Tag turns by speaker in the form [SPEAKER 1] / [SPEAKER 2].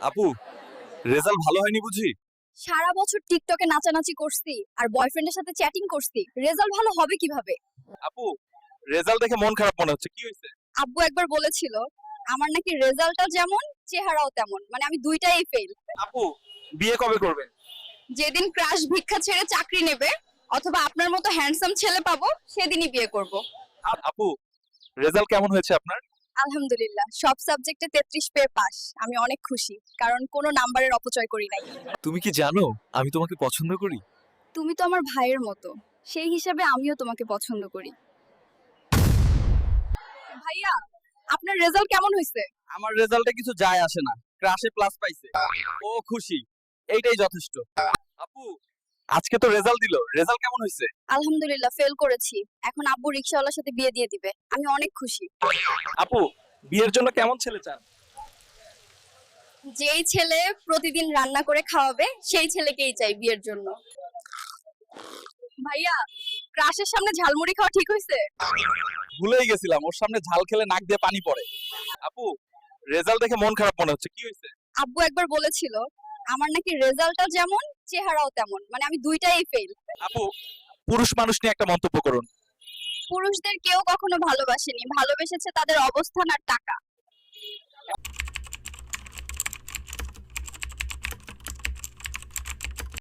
[SPEAKER 1] আপু, রেজাল্ট ভালো হয়নি বুঝি?
[SPEAKER 2] সারা বছর টিকটকে নাচানাচি করছি আর বয়ফ্রেন্ডের সাথে চ্যাটিং করছি, রেজাল্ট ভালো হবে কিভাবে?
[SPEAKER 1] আপু, রেজাল্ট দেখে মন খারাপ মনে হচ্ছে, কি হয়েছে?
[SPEAKER 2] আব্বু একবার বলেছিল আমার নাকি রেজাল্টটা যেমন চেহারাও তেমন, মানে আমি দুইটাই ফেল।
[SPEAKER 1] আপু, বিয়ে কবে করবেন?
[SPEAKER 2] যেদিন ক্রাশ ভিক্ষা ছেড়ে চাকরি নেবে অথবা আপনার মতো হ্যান্ডসাম ছেলে পাবো সেদিনই বিয়ে করব।
[SPEAKER 1] আপু, রেজাল্ট কেমন হয়েছে আপনার?
[SPEAKER 2] আলহামদুলিল্লাহ, সব সাবজেক্টে 33 পেয়ে পাস। আমি অনেক খুশি, কারণ কোনো নাম্বারের অপচয় করি নাই।
[SPEAKER 1] তুমি কি জানো আমি তোমাকে পছন্দ করি?
[SPEAKER 2] তুমি তো আমার ভাইয়ের মতো, সেই হিসাবে আমিও তোমাকে পছন্দ করি। ভাইয়া, আপনার রেজাল্ট কেমন হয়েছে?
[SPEAKER 1] আমার রেজাল্টে কিছু যায় আসে না, ক্রাশে প্লাস পাইছে, ও খুশি, এইটাই যথেষ্ট। আপু, আজকে তো রেজাল্ট দিল, রেজাল্ট কেমন হয়েছে?
[SPEAKER 2] আলহামদুলিল্লাহ, ফেল করেছি। এখন আব্বু রিকশাওয়ালার সাথে বিয়ে দিয়ে দিবে, আমি অনেক খুশি।
[SPEAKER 1] আপু, বিয়ের জন্য কেমন ছেলে চান?
[SPEAKER 2] যেই ছেলে প্রতিদিন রান্না করে খাওয়াবে সেই ছেলেকেই চাই বিয়ের জন্য। ভাইয়া, ক্রাশের সামনে ঝালমুড়ি খাওয়া ঠিক হয়েছে?
[SPEAKER 1] ভুলেই গেছিলাম, ওর সামনে ঝাল খেলে নাক দিয়ে পানি পড়ে। আপু, রেজাল্ট দেখে মন খারাপ মনে হচ্ছে, কি হয়েছে?
[SPEAKER 2] আব্বু একবার বলেছিল আমার নাকি রেজাল্টটা যেমন চেহারাও তেমন, মানে আমি দুইটাই ফেল।
[SPEAKER 1] আপু, পুরুষ মানুষ নিয়ে একটা মন্তব্য করুন।
[SPEAKER 2] পুরুষদের কেউ কখনো ভালোবাসেনি, ভালোবেসেছে তাদের অবস্থান আর টাকা।